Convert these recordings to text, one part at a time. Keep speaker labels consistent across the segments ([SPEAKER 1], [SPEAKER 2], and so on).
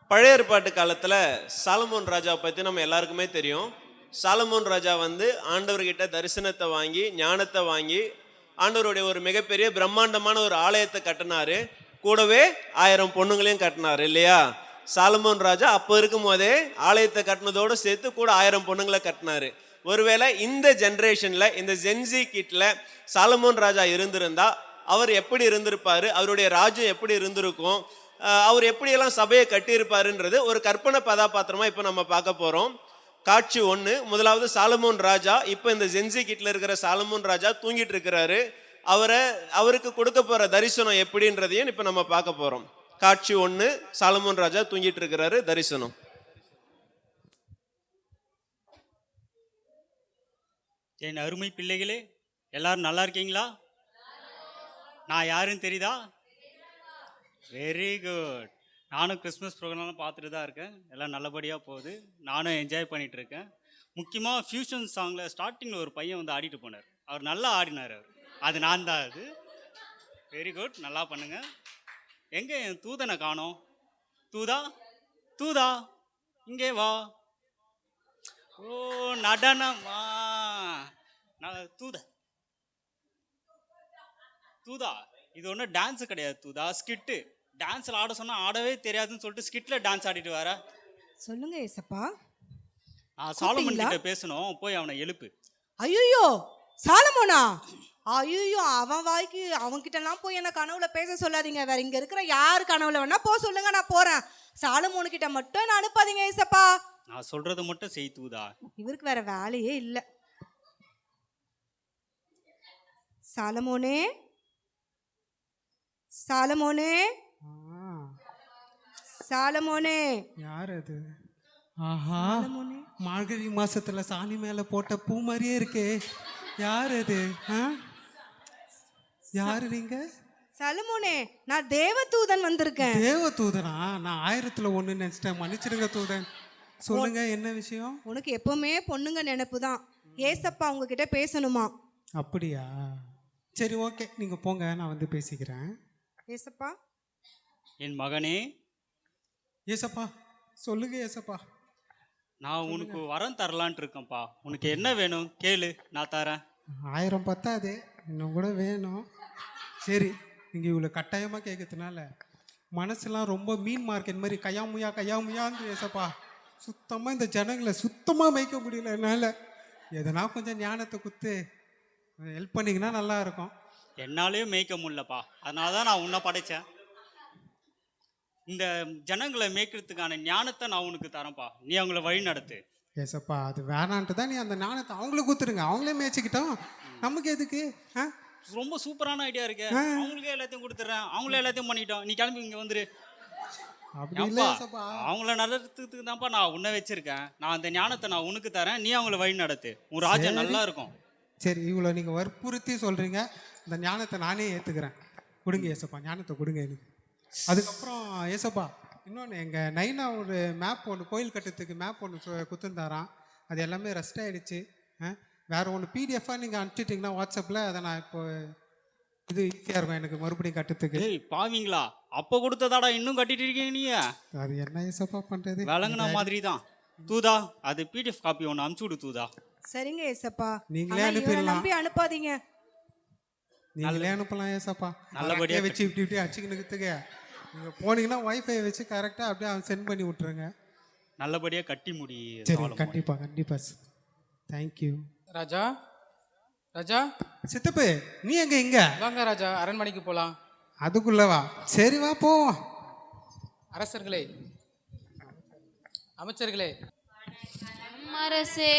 [SPEAKER 1] பழைய ஏற்பாட்டு காலத்தில் சாலமோன் ராஜாவை பற்றி நம்ம எல்லாருக்குமே தெரியும். சாலமோன் ராஜா ஆண்டவர்கிட்ட தரிசனத்தை வாங்கி ஞானத்தை வாங்கி ஆண்டவருடைய ஒரு மிகப்பெரிய பிரம்மாண்டமான ஒரு ஆலயத்தை கட்டினாரு. கூடவே 1000 பொண்ணுங்களையும் கட்டினாரு இல்லையா? சாலமோன் ராஜா அப்போ இருக்கும் போதே ஆலயத்தை கட்டினதோடு சேர்த்து கூட 1000 பொண்ணுங்களை கட்டினாரு. ஒருவேளை இந்த ஜென்ரேஷனில் இந்த ஜென்சி கிட்ல சாலமோன் ராஜா இருந்திருந்தா அவர் எப்படி இருந்திருப்பாரு, அவருடைய ராஜ்யம் எப்படி இருந்திருக்கும், அவர் எப்படியெல்லாம் சபையை கட்டியிருப்பாருன்றது ஒரு கற்பனை கதாபாத்திரமா இப்போ நம்ம பார்க்க போகிறோம். காட்சி 1. முதலாவது சாலமோன் ராஜா. இப்போ இந்த ஜென்சி கிட்ல இருக்கிற சாலமோன் ராஜா தூங்கிட்டு இருக்கிறாரு. அவருக்கு கொடுக்க போற தரிசனம் எப்படின்றதையும் இப்போ நம்ம பார்க்க போறோம். காட்சி 1. சாலமோன் ராஜா தூங்கிட்டு இருக்கிறாரு. தரிசனம்.
[SPEAKER 2] என் அருமை பிள்ளைகளே, எல்லாரும் நல்லா இருக்கீங்களா? நான் யாருன்னு தெரியுதா? Very good. நானும் கிறிஸ்மஸ் ப்ரோக்ராம்லாம் பார்த்துட்டு தான் இருக்கேன். எல்லாம் நல்லபடியாக போகுது. நானும் என்ஜாய் பண்ணிட்டு இருக்கேன். முக்கியமாக ஃபியூஷன் சாங்கில் ஸ்டார்டிங்கில் ஒரு பையன் ஆடிட்டு போனார். அவர் நல்லா ஆடினார். அது நான் தான். அது வெரி குட், நல்லா பண்ணுங்க. எங்கே என் தூதனை காணோம்? தூதா தூதா இங்கே வா. ஓ நடனமா தூதா இது ஒன்றும் டான்ஸு கிடையாது தூதா, ஸ்கிட்டு. டான்ஸில் ஆட சொன்னால் ஆடவே தெரியாதுன்னு சொல்லிட்டு ஸ்கிட்டில் டான்ஸ் ஆடிட்டு வர.
[SPEAKER 3] சொல்லுங்க ஏசப்பா.
[SPEAKER 2] நான் சாலமன் கிட்ட பேசணும், போய் அவனை எழுப்பு.
[SPEAKER 3] ஐயோ சாலமோனா? ஐயோ அவன் வாய்க்கு அவன்கிட்டலாம் போய் என்ன கனவுல பேச சொல்லாதீங்க. வேற இங்க இருக்கிற யார் கனவுல வேணா போ சொல்லுங்க, நான் போறேன். சாலமோனு கிட்ட மட்டும் என்ன அனுப்பாதீங்க ஏசப்பா.
[SPEAKER 2] நான் சொல்றதை மட்டும் செய் தூதா.
[SPEAKER 3] இவருக்கு வேற வேலையே இல்லை. சாலமோனே, சாலமோனே, சாலமோனே.
[SPEAKER 4] யார் அது? ஆஹா, மார்கழி மாசத்துல சாணி மேல போட்ட பூ மாதிரியே இருக்கே. யார் அது? யாரு நீங்க?
[SPEAKER 3] சாலமோனே, நான் தேவதூதன் வந்திருக்கேன்.
[SPEAKER 4] தேவதூதனா? நான் 1000ல் 1 நினைச்சிட்டேன். மன்னிச்சிடுங்க தூதன். சொல்லுங்க, என்ன விஷயம்?
[SPEAKER 3] உனக்கு எப்பவுமே பொண்ணுங்க நினைப்பு தான். ஏசப்பா உங்ககிட்ட பேசணுமா?
[SPEAKER 4] அப்படியா? சரி, ஓகே, நீங்க போங்க, நான் வந்து பேசிக்கிறேன்.
[SPEAKER 3] ஏசப்பா.
[SPEAKER 2] என் மகனே.
[SPEAKER 4] ஏசப்பா சொல்லுங்க. ஏசப்பா,
[SPEAKER 2] நான் உனக்கு வரம் தரலான்ட்டு இருக்கேன்ப்பா. உனக்கு என்ன வேணும் கேளு, நான் தரேன்.
[SPEAKER 4] 1000 பத்தாது, இன்னும் கூட வேணும். சரி, நீங்கள் இவ்வளோ கட்டாயமாக கேட்கறதுனால மனசுலாம் ரொம்ப மீன் மார்க்கெட் மாதிரி கையாமுயான்னு ஏசப்பா. சுத்தமாக இந்த ஜனங்களை சுத்தமாக மேய்க்க முடியல என்னால். எதனா கொஞ்சம் ஞானத்தை குத்து ஹெல்ப் பண்ணிங்கன்னா நல்லா இருக்கும்.
[SPEAKER 2] என்னாலேயும் மேய்க்க முடியலப்பா, அதனால தான் நான் உன்னை படைச்சேன். இந்த ஜனங்களை மேய்க்கிறதுக்கான ஞானத்தை நான் உனக்கு தரேன்ப்பா. நீ அவங்கள வழி நடத்து.
[SPEAKER 4] ஏசப்பா, அது வேணான்ட்டு தான் நீ அந்த ஞானத்தை அவங்களுக்கு கொடுத்துருங்க. அவங்களே மேய்ச்சிக்கிட்டோம், நமக்கு எதுக்கு?
[SPEAKER 2] ரொம்ப சூப்பரான ஐடியா இருக்கு. அவங்களுக்கே எல்லாத்தையும் கொடுத்துட்றேன், அவங்களே எல்லாத்தையும் பண்ணிட்டோம். நீ கிளம்பி இங்கே வந்துரு.
[SPEAKER 4] அப்படி இல்லை ஏசப்பா,
[SPEAKER 2] அவங்கள நடத்துறதுக்கு தான்ப்பா நான் உன்னை வச்சிருக்கேன். நான் அந்த ஞானத்தை நான் உனக்கு தரேன், நீ அவங்கள வழி நடத்து. உன் ராஜ்யம் நல்லா இருக்கும்.
[SPEAKER 4] சரி, இவ்வளோ நீங்கள் வற்புறுத்தி சொல்கிறீங்க, இந்த ஞானத்தை நானே ஏற்றுக்கிறேன். கொடுங்க ஏசப்பா, ஞானத்தை கொடுங்க எனக்கு. அதுக்கப்புறம் ஏசப்பா, இன்னொன்று, எங்கள் நைனா ஒரு மேப் ஒன்று, கோயில் கட்டுறதுக்கு மேப் ஒன்று குத்துந்தாரான். அது எல்லாமே ரெஸ்ட் ஆகிடுச்சு. வேறு ஒன்று பிடிஎஃபாக நீங்கள் அனுப்பிச்சிட்டிங்கன்னா வாட்ஸ்அப்பில், அதை நான் இப்போ இது ஈஸியாக இருக்கும் எனக்கு மறுபடியும் கட்டுறதுக்கு.
[SPEAKER 2] பாவீங்களா, அப்போ கொடுத்ததாடா இன்னும் கட்டிட்டு இருக்கீங்க நீ?
[SPEAKER 4] அது என்ன ஏசப்பா பண்ணுறது?
[SPEAKER 2] விளங்குன மாதிரி தான் தூதா. அது பிடிஎஃப் காப்பி ஒன்று அனுப்பிச்சு விடு தூதா.
[SPEAKER 3] சரிங்க ஏசப்பா,
[SPEAKER 4] நீங்களே அனுப்பிடலாம்.
[SPEAKER 3] நம்பி அனுப்பாதீங்க.
[SPEAKER 4] நீங்களே அனுப்பலாம் ஏசப்பா.
[SPEAKER 2] நல்லபடியாக
[SPEAKER 4] வச்சு இப்படி அடிச்சுக்கினுக்குதுங்க. நீங்கள் போனீங்கன்னா வைஃபை வச்சு கரெக்டாக அப்படியே அவன் சென்ட் பண்ணி விட்ருங்க.
[SPEAKER 2] நல்லபடியாக கட்டி முடி.
[SPEAKER 4] சரி, கண்டிப்பாக. தேங்க்யூ.
[SPEAKER 5] ராஜா, ராஜா
[SPEAKER 4] சித்தப்பு, நீ எங்க? இங்க
[SPEAKER 5] வாங்க ராஜா, அரண்மனைக்கு போலாம்.
[SPEAKER 4] அதுக்குள்ளவா? சரி, வா போவோம்.
[SPEAKER 5] அரசர்களே, அமைச்சர்களே.
[SPEAKER 6] அரசே.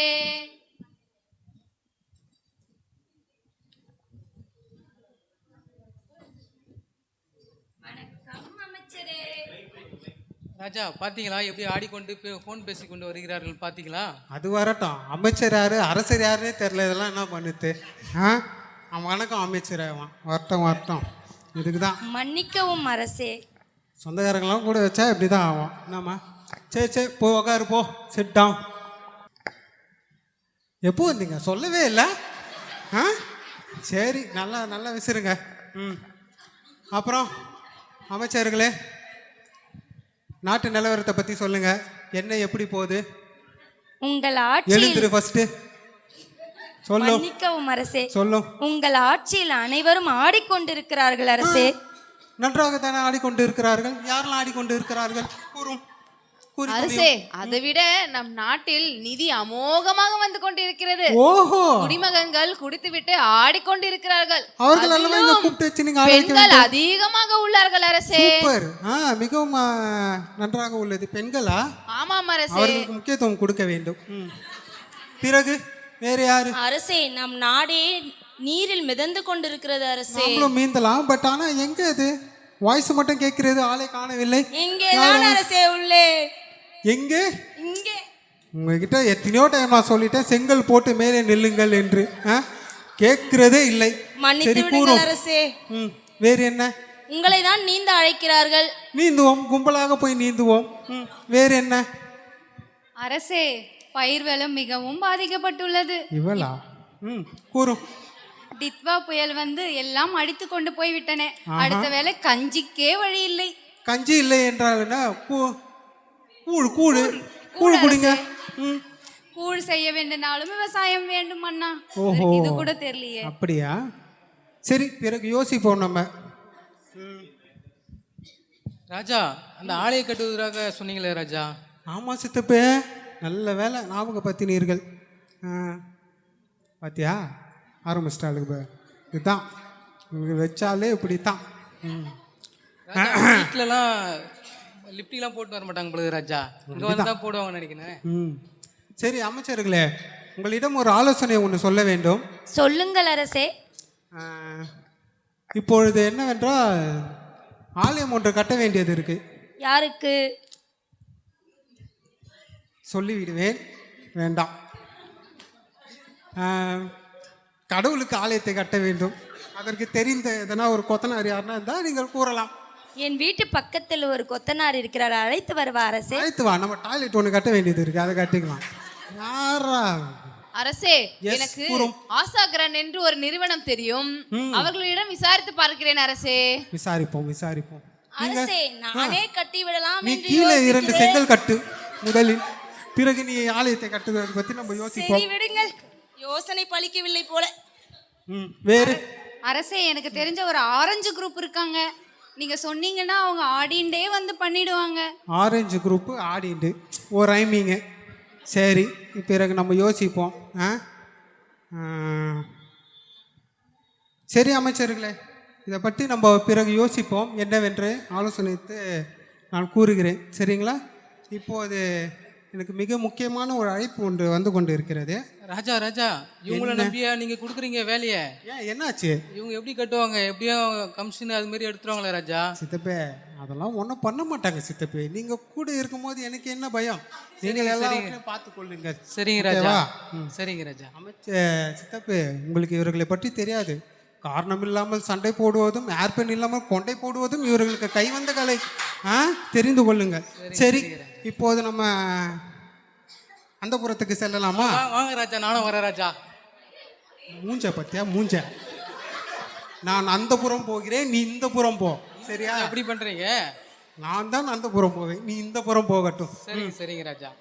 [SPEAKER 5] ராஜா, பாத்தீங்களா எப்படி ஆடிக்கொண்டு போன் பேசிக்கொண்டு வருகிறார்கள்? பாத்தீங்களா?
[SPEAKER 4] அது வரட்டும், அமைச்சர் யாரு அரசர் யாருன்னே தெரியல. இதெல்லாம் என்ன பண்ணுது? வணக்கம் அமைச்சர். வரட்டும். இதுக்கு தான்
[SPEAKER 6] மன்னிக்கவும் அரசே.
[SPEAKER 4] சொந்தக்காரங்களாம் கூட வச்சா இப்படி தான் ஆகும். என்னம்மா? சரி, போ உக்காரு, போ, சிட் டவுன். எப்போ வந்தீங்க? சொல்லவே இல்லை. சரி, நல்லா விசிறுங்க. அப்புறம் அமைச்சர்களே, நாட்டு நிலவரத்தை பற்றி சொல்லுங்க. என்ன எப்படி போகுது?
[SPEAKER 6] உங்கள் ஆட்சியில்
[SPEAKER 4] எழுந்துரு ஃபர்ஸ்ட். சொல்லும்
[SPEAKER 6] மன்னிக்கவும் அரசே.
[SPEAKER 4] சொல்லும்.
[SPEAKER 6] உங்கள் ஆட்சியில் அனைவரும் ஆடிக்கொண்டிருக்கிறார்கள் அரசே.
[SPEAKER 4] நன்றாக தானே ஆடிக்கொண்டு இருக்கிறார்கள். யாரெல்லாம் ஆடிக்கொண்டு இருக்கிறார்கள்? கூறும். கூறி
[SPEAKER 7] அரசே,
[SPEAKER 4] தொலையும்.
[SPEAKER 7] அதை விட நம் நாட்டில் நிதி அமோகமாக வந்து கொண்டிருக்கிறது.
[SPEAKER 4] ஓஹோ,
[SPEAKER 7] குடிமகன்கள் குடித்துவிட்டு ஆடிக்கொண்டிருக்கிறார்கள்.
[SPEAKER 4] அவர்கள் எல்லாம் இங்க
[SPEAKER 7] அதிலும்
[SPEAKER 4] கூப்பிட்டு வச்சு நீங்க ஆட வைக்க
[SPEAKER 7] பெண்கள்
[SPEAKER 4] வேண்டும்.
[SPEAKER 7] அதிகமாக உள்ளார்கள் அரசே.
[SPEAKER 4] சூப்பர். மிகவும் நன்றாக உள்ளது. பெண்களா?
[SPEAKER 7] ஆமாம் அரசே.
[SPEAKER 4] அவர்களுக்கு முக்கியத்துவம் கொடுக்க வேண்டும். பிறகு வேற யாரு?
[SPEAKER 6] அரசே, நம் நாடே நீரில் மிதந்து கொண்டிருக்கிறது அரசே.
[SPEAKER 4] நாமளும் மீந்தலாம். பட் ஆனா எங்க இது வாய்ஸ் மட்டும் கேட்கிறது, ஆளே காணவில்லை.
[SPEAKER 6] இங்கேதான் அரசே உள்ளே.
[SPEAKER 4] எங்க?
[SPEAKER 6] இங்கே.
[SPEAKER 4] உங்ககிட்ட எத்தனையோ டைம் நான் சொல்லிட்டேன், செங்கல் போட்டு மேலே நில்லுங்கள் என்று. கேட்கிறதே இல்லை.
[SPEAKER 6] மன்னித்து
[SPEAKER 4] சரி,
[SPEAKER 6] விடுங்கள்
[SPEAKER 4] கூறும்.
[SPEAKER 6] அரசே.
[SPEAKER 4] வேறு என்ன?
[SPEAKER 6] உங்களை தான் நீந்த அழைக்கிறார்கள்.
[SPEAKER 4] நீந்துவோம், கும்பலாக போய் நீந்துவோம். வேறு என்ன?
[SPEAKER 8] அரசே, பயிர் வளம் மிகவும் பாதிக்கப்பட்டுள்ளது.
[SPEAKER 4] இவளா? கூறும்.
[SPEAKER 8] டித்வா புயல் வந்து எல்லாம் அடித்து கொண்டு போய் விட்டன. அடுத்த வேளை கஞ்சிக்கே வழி இல்லை.
[SPEAKER 4] கஞ்சி இல்லை என்றால் என்ன? கூழ் கூழ் கூழ் குடிங்க.
[SPEAKER 8] கூழ் செய்ய வேண்டும்னாலும் விவசாயம் வேண்டும் அண்ணா.
[SPEAKER 4] ஓஹோ,
[SPEAKER 8] இது கூட தெரியலையே.
[SPEAKER 4] அப்படியா? சரி, பிறகு யோசிப்போம் நம்ம.
[SPEAKER 5] ராஜா, அந்த ஆலய கட்டுவதற்காக சொன்னீங்களே ராஜா.
[SPEAKER 4] ஆமா சித்தப்பே, நல்ல வேலை ஞாபகப்படுத்தினீர்கள். பாத்தியா, ஆரம்பிச்சிட்டாளுக்கு. இதுதான் உங்களுக்கு வச்சாலே இப்படித்தான்.
[SPEAKER 5] வீட்டிலலாம் லிப்டிலாம் போட்டு வர மாட்டாங்க பொழுது ராஜா. இங்கே வந்து தான் போடுவாங்கன்னு நினைக்கிறேன்.
[SPEAKER 4] சரி அமைச்சர்களே, உங்களிடம் ஒரு ஆலோசனை ஒன்று சொல்ல வேண்டும்.
[SPEAKER 6] சொல்லுங்கள் அரசே.
[SPEAKER 4] இப்பொழுது என்னவென்றால் ஆலயம் ஒன்று கட்ட வேண்டியது இருக்கு.
[SPEAKER 6] யாருக்கு?
[SPEAKER 4] சொல்லிவிடுவேன், வேண்டாம். கடவுளுக்கு ஆலயத்தை கட்ட வேண்டும். அதற்கு தெரிந்த எதனா ஒரு கொத்தனார் யாருன்னா இருந்தால் நீங்கள் கூறலாம்.
[SPEAKER 6] என் வீட்டு பக்கத்தில் ஒரு கொத்தனார் இருக்கிறார், அழைத்து வருவா அரசே.
[SPEAKER 4] அழைத்து வா, நம்ம டாய்லெட் ஒன்று கட்ட வேண்டியது இருக்கு, அதை கட்டிக்கலாம். யாரா?
[SPEAKER 7] அரசே,
[SPEAKER 4] Yes,
[SPEAKER 7] எனக்கு
[SPEAKER 4] கூறும்.
[SPEAKER 7] ஆசாகரன் என்று ஒரு நிறுவனம் தெரியும். அவர்களிடம் விசாரித்து பார்க்கிறேன் அரசே.
[SPEAKER 4] விசாரிப்போம் விசாரிப்போம்.
[SPEAKER 6] அரசே, நானே கட்டி விடலாம்
[SPEAKER 4] நீ
[SPEAKER 6] என்று
[SPEAKER 4] கீழே 2
[SPEAKER 6] யோசிக்கிறேன்.
[SPEAKER 4] செங்கல் கட்டு முதலில், பிறகு நீ ஆலயத்தை கட்டுவதை பற்றி நம்ம
[SPEAKER 6] சரி
[SPEAKER 4] யோசிப்போம்.
[SPEAKER 6] விடுங்கள், யோசனை பலிக்கவில்லை போல.
[SPEAKER 4] வேறு?
[SPEAKER 8] அரசே, எனக்கு தெரிஞ்ச ஒரு ஆரஞ்சு குரூப் இருக்காங்க. நீங்க சொன்னீங்கன்னா அவங்க ஆடிண்டே வந்து பண்ணிடுவாங்க.
[SPEAKER 4] ஆரஞ்சு குரூப்பு ஆடிண்டு ஒரு ரைமிங்கு. சரி, பிறகு நம்ம யோசிப்போம். சரி அமைச்சர்களே, இதை பற்றி நம்ம பிறகு யோசிப்போம். என்னவென்று ஆலோசனைத்து நான் கூறுகிறேன். சரிங்களா? இப்போது எனக்கு மிக முக்கியமான ஒரு அழைப்பு ஒன்று வந்து கொண்டு இருக்கிறது.
[SPEAKER 5] ராஜா ராஜா, இவங்கள நம்பியா நீங்க கொடுக்குறீங்க வேலையை?
[SPEAKER 4] ஏன், என்னாச்சு?
[SPEAKER 5] இவங்க எப்படி கட்டுவாங்க? எப்படியும் கமிஷன் அது மாதிரி எடுத்துருவாங்களே ராஜா.
[SPEAKER 4] சித்தப்பே, அதெல்லாம் ஒன்றும் பண்ண மாட்டாங்க சித்தப்பே. நீங்க கூட இருக்கும்போது எனக்கு என்ன பயம்? நீங்கள் எல்லாத்தையும் பார்த்து கொள்ளுங்க.
[SPEAKER 5] சரிங்க ராஜா.
[SPEAKER 4] ஓகேவா?
[SPEAKER 5] சரிங்க ராஜா.
[SPEAKER 4] சித்தப்பே, உங்களுக்கு இவர்களை பற்றி தெரியாது. காரணம் இல்லாமல் சண்டை போடுவதும், ஏர்பென் இல்லாமல் கொண்டை போடுவதும் இவர்களுக்கு கைவந்த கலை. தெரிந்து கொள்ளுங்க. சரி, இப்போது நம்ம அந்த புறத்துக்கு செல்லலாமா?
[SPEAKER 5] வாங்க ராஜா, நானும் வரேன் ராஜா.
[SPEAKER 4] மூஞ்ச பத்தியா, மூஞ்ச. நான் அந்த புறம் போகிறேன், நீ இந்த புறம் போ. சரியா?
[SPEAKER 5] எப்படி பண்றீங்க?
[SPEAKER 4] நான் தான் அந்த புறம் போவேன், நீ இந்த புறம் போகட்டும்.
[SPEAKER 5] சரிங்க சரிங்க ராஜா.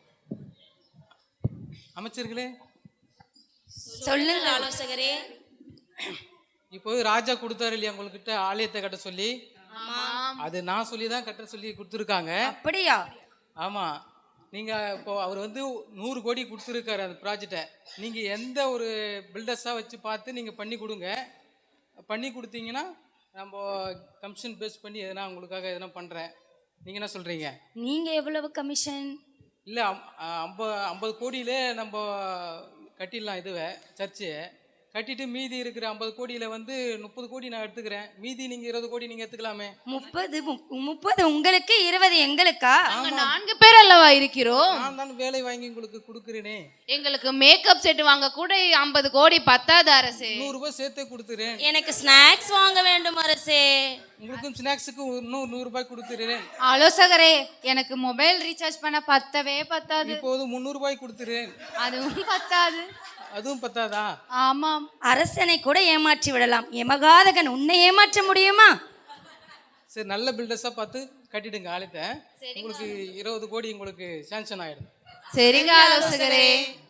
[SPEAKER 5] அமைச்சர்களே,
[SPEAKER 6] சொல்லுங்கள் ஆலோசகரே.
[SPEAKER 5] இப்போ ராஜா கொடுத்தாரு இல்லையா உங்ககிட்ட ஆலயத்தை கட்ட சொல்லி? அது நான் சொல்லி தான் கட்ட சொல்லி கொடுத்துருக்காங்க.
[SPEAKER 6] அப்படியா?
[SPEAKER 5] ஆமா. நீங்க இப்போ அவர் வந்து 100 கோடி கொடுத்துருக்காரு அந்த ப்ராஜெக்டை. நீங்க எந்த ஒரு பில்டர்ஸாக வச்சு பார்த்து நீங்க பண்ணி கொடுங்க. பண்ணி கொடுத்தீங்கன்னா நம்ம கமிஷன் பேஸ் பண்ணி எதனா உங்களுக்காக எதனா பண்றேன். நீங்க என்ன சொல்றீங்க?
[SPEAKER 6] நீங்க எவ்வளவு கமிஷன்?
[SPEAKER 5] இல்லை, 50 கோடியிலே நம்ம கட்டிடலாம். இதுவே சர்ச்சு கட்டிட்டு மீதி இருக்கிற 50 கோடியில வந்து 30 கோடி நான் எடுத்துக்கிறேன். மீதி நீங்க 20 கோடி நீங்க எடுத்துக்கலாமே.
[SPEAKER 6] 30 உங்களுக்கு, 20 எங்களுக்கா?
[SPEAKER 7] நாங்க 4 பேர் அல்லவா இருக்கிறோம்.
[SPEAKER 5] நான் தான் வேலை வாங்கி உங்களுக்கு கொடுக்குறேனே.
[SPEAKER 7] எங்களுக்கு மேக்கப் செட் வாங்க கூட 50 கோடி பத்தாது அரசே.
[SPEAKER 5] 100 ரூபாய் சேர்த்தே கொடுத்துறேன்.
[SPEAKER 6] எனக்கு ஸ்நாக்ஸ் வாங்க வேண்டும் அரசே.
[SPEAKER 5] உங்களுக்கும் ஸ்நாக்ஸுக்கு இன்னும் 100 ரூபாய் கொடுத்துறேன்.
[SPEAKER 8] ஆலோசகரே, எனக்கு மொபைல் ரீசார்ஜ் பண்ண பத்தவே பத்தாது.
[SPEAKER 5] இப்போது 300 ரூபாய் கொடுத்துறேன்.
[SPEAKER 8] அதுவும் பத்தாது.
[SPEAKER 5] அதுவும் பத்தாதா?
[SPEAKER 8] ஆமாம்.
[SPEAKER 6] அரசனை கூட ஏமாற்றி விடலாம், எமகாதகன் உன்னை ஏமாற்ற முடியுமா?
[SPEAKER 5] சரி, நல்ல பில்டர்ஸாக பார்த்து கட்டிடுங்க ஆலயத்தை. உங்களுக்கு 20 கோடி உங்களுக்கு சாங்ஷன் ஆயிடும்.
[SPEAKER 7] சரிங்க ஆலோசகரே.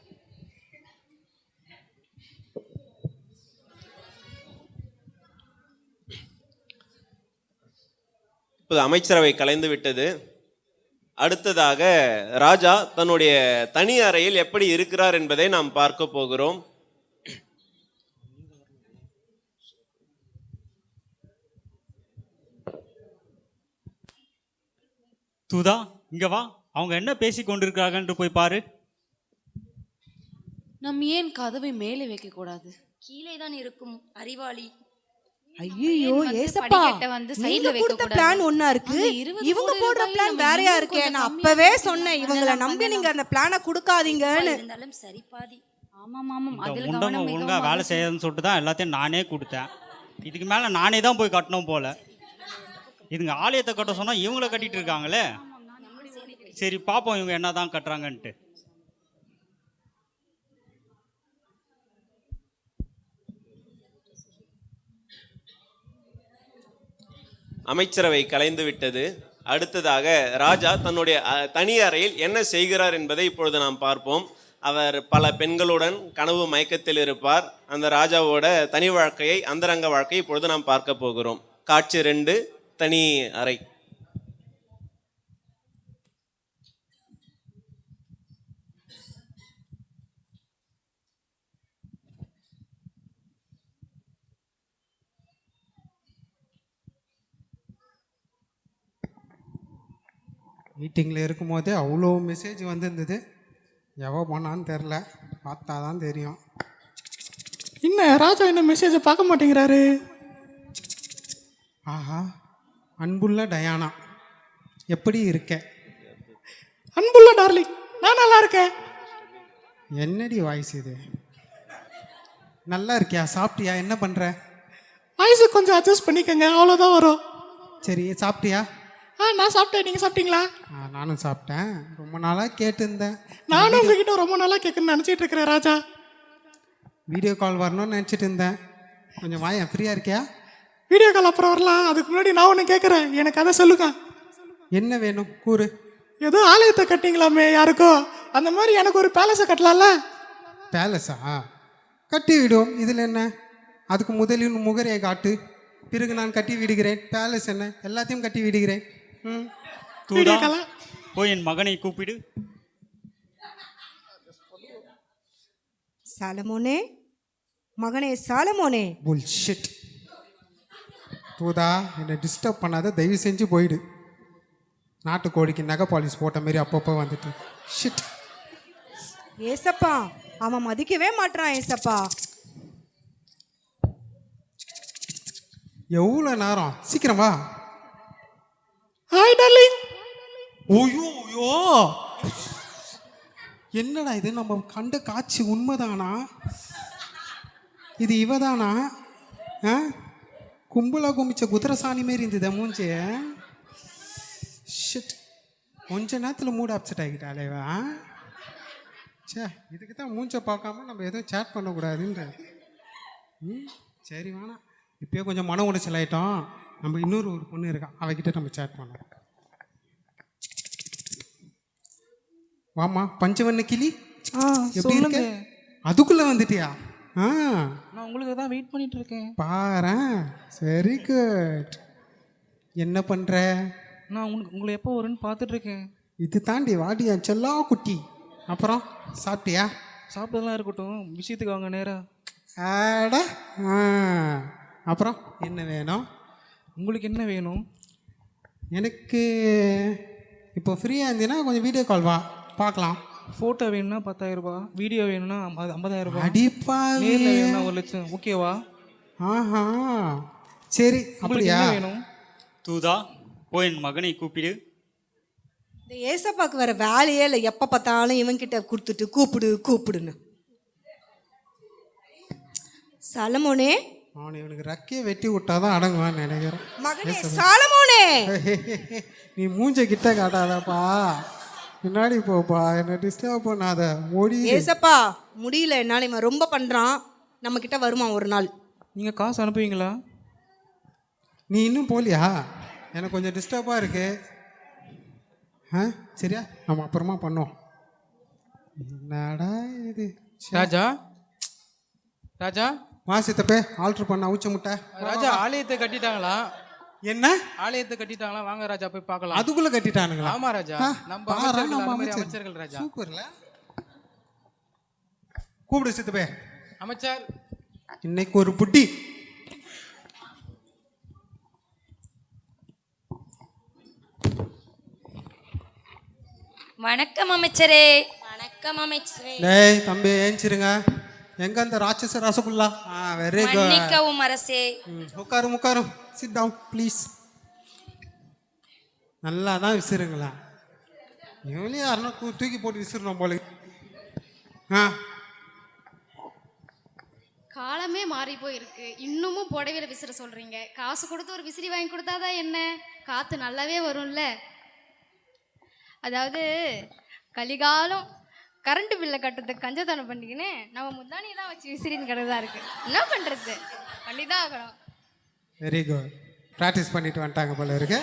[SPEAKER 1] இப்போது அமைச்சரவை கலைந்து விட்டது. அடுத்ததாக ராஜா தன்னுடைய தனி அறையில் எப்படி இருக்கிறார் என்பதை நாம் பார்க்க போகிறோம்.
[SPEAKER 2] தூதா இங்க வா, அவங்க என்ன பேசி கொண்டிருக்காங்கன்று போய் பாரு.
[SPEAKER 7] நம்ம ஏன் கதவை மேலே வைக்க கூடாது?
[SPEAKER 6] கீழே தான் இருக்கும் அறிவாளி.
[SPEAKER 3] ஐயோ
[SPEAKER 8] வந்து
[SPEAKER 3] ஏசப்பா,
[SPEAKER 8] படிக்கட்டை வந்து side ல
[SPEAKER 3] நீங்க
[SPEAKER 8] வைக்க
[SPEAKER 3] கொடுத்த
[SPEAKER 8] கூடாது.
[SPEAKER 3] பிளான் ஒண்ணா இருக்கு,
[SPEAKER 7] அந்த 20
[SPEAKER 3] இவங்க
[SPEAKER 7] கோடி
[SPEAKER 3] போடுற
[SPEAKER 7] ரூபாய்
[SPEAKER 3] பிளான்
[SPEAKER 7] நம்ம
[SPEAKER 3] வேறையா
[SPEAKER 7] இன்னும்
[SPEAKER 3] இருக்கே.
[SPEAKER 7] கொஞ்சம்
[SPEAKER 3] நான்
[SPEAKER 7] கம்மியா
[SPEAKER 3] அப்பவே
[SPEAKER 7] பண்ணலாம்,
[SPEAKER 3] சொன்னேன் இவங்களை நம்பி நீங்க அந்த பிளானை கொடுக்காதீங்கன்னு.
[SPEAKER 6] இருந்தாலும் சரி பாதி.
[SPEAKER 8] ஆமாம் ஆமாம்,
[SPEAKER 2] இந்த
[SPEAKER 8] அதில்
[SPEAKER 2] முண்டங்க
[SPEAKER 8] கவனம்
[SPEAKER 2] ஒழுங்கா
[SPEAKER 8] மிகவும்
[SPEAKER 2] வேலை
[SPEAKER 8] அவசியம்.
[SPEAKER 2] செய்யறதுன்னு சொல்லிட்டு தான் எல்லாத்தையும் நானே கொடுத்தேன். இதுக்கு மேல நானே தான் போய் கட்டணும் போல. இதுங்க ஆலயத்தை கட்ட சொன்னா இவங்கள கட்டிட்டு இருக்காங்களே. சரி பாப்போம் இவங்க என்னதான் கட்டுறாங்கன்ட்டு.
[SPEAKER 1] அமைச்சரவை கலைந்து விட்டது. அடுத்ததாக ராஜா தன்னுடைய தனி அறையில் என்ன செய்கிறார் என்பதை இப்பொழுது நாம் பார்ப்போம். அவர் பல பெண்களுடன் கனவு மயக்கத்தில் இருப்பார். அந்த ராஜாவோட தனி வாழ்க்கையை, அந்தரங்க வாழ்க்கையை இப்பொழுது நாம் பார்க்க போகிறோம். காட்சி 2, தனி அறை.
[SPEAKER 4] மீட்டிங்கில் இருக்கும்போதே அவ்வளோ மெசேஜ் வந்திருந்தது. எவோ பண்ணான்னு தெரில, பார்த்தா தான் தெரியும்.
[SPEAKER 9] என்ன ராஜா என்ன மெசேஜை பார்க்க மாட்டேங்கிறாரு?
[SPEAKER 4] ஆஹா, அன்புள்ள டயானா எப்படி இருக்க?
[SPEAKER 9] அன்புள்ள டார்லிங், நான் நல்லா இருக்கேன்.
[SPEAKER 4] என்னடி வாய்ஸ் இது? நல்லா இருக்கியா? சாப்பிட்டியா? என்ன பண்ணுற?
[SPEAKER 9] வாய்ஸு கொஞ்சம் அட்ஜஸ்ட் பண்ணிக்கங்க, அவ்வளோதான் வரும்.
[SPEAKER 4] சரி, சாப்பிட்டியா?
[SPEAKER 9] நான் சாப்பிட்டேன், நீங்கள் சாப்பிட்டீங்களா?
[SPEAKER 4] நானும் சாப்பிட்டேன். ரொம்ப நாளாக கேட்டுருந்தேன்.
[SPEAKER 9] நானும் உங்ககிட்ட ரொம்ப நாளாக கேட்கணும்னு நினச்சிட்டு இருக்கிறேன் ராஜா.
[SPEAKER 4] வீடியோ கால் வரணும்னு நினச்சிட்டு இருந்தேன். கொஞ்சம் வாயேன், ஃப்ரீயாக இருக்கியா?
[SPEAKER 9] வீடியோ கால் அப்புறம் வரலாம், அதுக்கு முன்னாடி நான் ஒன்று கேட்குறேன், எனக்கு அதை சொல்லுங்க.
[SPEAKER 4] என்ன வேணும் கூறு.
[SPEAKER 9] ஏதோ ஆலயத்தை கட்டிங்களாமே யாருக்கோ, அந்த மாதிரி எனக்கு ஒரு பேலஸை கட்டலாம்ல?
[SPEAKER 4] பேலஸா? கட்டி விடும், இதில் என்ன? அதுக்கு முதலில் முகரையை காட்டு, பிறகு நான் கட்டி விடுகிறேன். பேலஸ் என்ன, எல்லாத்தையும் கட்டி விடுகிறேன்.
[SPEAKER 2] தூதா போய் என் மகனை கூப்பிடு.
[SPEAKER 3] சாலமோனே, மகனே சாலமோனே.
[SPEAKER 4] புல்ஷிட். தூதா, என்னை டிஸ்டர்ப் பண்ணாத, தயவு செஞ்சு போயிடு. நாட்டுக்கோழிக்கு நகை பாலிஷ் போட்ட மாதிரி அப்பப்போ வந்துட்டு. ஷிட்.
[SPEAKER 3] ஏசப்பா, அவன் மதிக்கவே மாட்றான் ஏசப்பா.
[SPEAKER 4] எவ்வளோ நேரம்? சீக்கிரம் வா.
[SPEAKER 9] Hi darling.
[SPEAKER 4] ஓயோ ஓயோ, என்னடா இது? நம்ம கண்ட காட்சி உண்மைதானா? இது இவதானா? கும்பலா கும்பிச்ச குதிரசாணி மாரி இருந்தது மூஞ்சி. ஷிட், கொஞ்ச நேரத்தில் மூட் அப்செட் ஆகிட்டாலேவா? சே, இதுக்கு தான் மூஞ்சை பார்க்காம நம்ம எதுவும் சேட் பண்ணக்கூடாதுன்ற. சரி வேணாம், இப்போயே கொஞ்சம் மன உடைச்சல் ஆகிட்டோம். நம்ம இன்னொரு பொண்ணு இருக்கா, அவகிட்ட நம்ம சேட் பண்ணோம். வாமா பஞ்சவண்ண கிளி, எப்படி இருக்க? அதுக்குள்ளே வந்துட்டியா?
[SPEAKER 5] நான் உங்களுக்கு தான் வெயிட் பண்ணிட்டு இருக்கேன்.
[SPEAKER 4] பாரேன், வெரி குட். என்ன பண்ணுற?
[SPEAKER 5] நான் உங்களை எப்போ வரும்னு பார்த்துட்டு இருக்கேன்.
[SPEAKER 4] இது தாண்டி வாடியா செல்லா குட்டி. அப்புறம் சாப்பிட்டியா?
[SPEAKER 5] சாப்பிட்டதெல்லாம் இருக்கட்டும், விஷயத்துக்கு வாங்க நேரா.
[SPEAKER 4] ஆட. அப்புறம் என்ன வேணும்?
[SPEAKER 5] உங்களுக்கு என்ன வேணும்?
[SPEAKER 4] எனக்கு இப்போ ஃப்ரீயாக இருந்தீங்கன்னா கொஞ்சம் வீடியோ கால் வா பார்க்கலாம்.
[SPEAKER 5] ஃபோட்டோ வேணும்னா 10,000 ரூபாய், வீடியோ வேணும்னா 50,000 ரூபாய்,
[SPEAKER 4] அடிப்பா
[SPEAKER 5] நேரில் வேணும்னா 1 லட்சம். ஓகேவா?
[SPEAKER 4] ஆஹா, சரி.
[SPEAKER 5] உங்களுக்கு
[SPEAKER 4] அப்படியா?
[SPEAKER 5] என்ன வேணும்?
[SPEAKER 2] தூதா போய் என் மகனை கூப்பிடு.
[SPEAKER 3] இந்த ஏசப்பாக்கு வேற வேலையே இல்லை, எப்போ பார்த்தாலும் இவன்கிட்ட கொடுத்துட்டு கூப்பிடு கூப்பிடுன்னு. சாலமோனே,
[SPEAKER 4] அவனை இவனுக்கு ரக்கையை வெட்டி விட்டாதான் அடங்குவான்னு நினைக்கிறேன்.
[SPEAKER 3] மகனே சாலமோனே.
[SPEAKER 4] நீ மூஞ்ச கிட்ட காட்டாதப்பா, பின்னாடி போப்பா, என்னை டிஸ்டர்ப் பண்ணாத, ஓடி.
[SPEAKER 3] ஏசப்பா முடியல என்னால், இவன் ரொம்ப பண்ணுறான். நம்ம கிட்ட வருவான் ஒரு நாள்.
[SPEAKER 5] நீங்கள் காசு அனுப்புவீங்களா?
[SPEAKER 4] நீ இன்னும் போலியா? எனக்கு கொஞ்சம் டிஸ்டர்பாக இருக்குது. ஆ சரியா, நம்ம அப்புறமா பண்ணோம். என்னடா இது?
[SPEAKER 5] ராஜா ராஜா
[SPEAKER 4] வா சித்தப்பே, ஆல்ட்ரு பண்ண அவுச்ச முட்டை.
[SPEAKER 5] ராஜா ஆலயத்தை கட்டிட்டாங்களா?
[SPEAKER 4] என்ன
[SPEAKER 5] ஆலயத்தை கட்டிட்டாங்களா? வாங்க ராஜா போய் பார்க்கலாம்.
[SPEAKER 4] அதுக்குள்ள கட்டிட்டானுங்களா?
[SPEAKER 5] ஆமா ராஜா,
[SPEAKER 4] ஆ,
[SPEAKER 5] நம்ம
[SPEAKER 4] பாரா,
[SPEAKER 5] அமைச்சர்கள்,
[SPEAKER 4] நம்ம
[SPEAKER 5] அது மாதிரி
[SPEAKER 4] அமைச்சர்.
[SPEAKER 5] அமைச்சர்கள் ராஜா.
[SPEAKER 4] சூப்பர்ல. கூப்பிடு சித்தப்பே.
[SPEAKER 5] அமைச்சர்
[SPEAKER 4] இன்னைக்கு ஒரு புட்டி.
[SPEAKER 6] வணக்கம் அமைச்சரே. வணக்கம் அமைச்சரே.
[SPEAKER 4] டேய் தம்பி ஏஞ்சிருங்க. எங்க அந்த ராட்சச ரசகுல்லா? Very good.
[SPEAKER 6] மன்னிக்கவும் அரசே.
[SPEAKER 4] உட்காரும் உட்காரும். Sit down please. நல்லா தான் விசிறுங்களா? இவனையும் யாருன்னா தூக்கி போட்டு விசிறணும் போல. ஆ
[SPEAKER 8] காலமே மாறி போயிருக்கு, இன்னமும் புடவையில விசிற சொல்றீங்க. காசு கொடுத்து ஒரு விசிறி வாங்கி கொடுத்தாதான் என்ன, காத்து நல்லாவே வரும்ல. அதாவது கலிகாலம் கரண்ட் பில்லை கட்டுறதுக்கு கஞ்சத்தனம் பண்ணிக்கின்னு நம்ம முந்தானியை தான் வச்சு விசிறின்னு கிடதா இருக்கு. என்ன பண்றது, பண்ணிதான் ஆகணும்.
[SPEAKER 4] Very good. ப்ராக்டிஸ் பண்ணிட்டு வந்துட்டாங்க போல இருக்கு.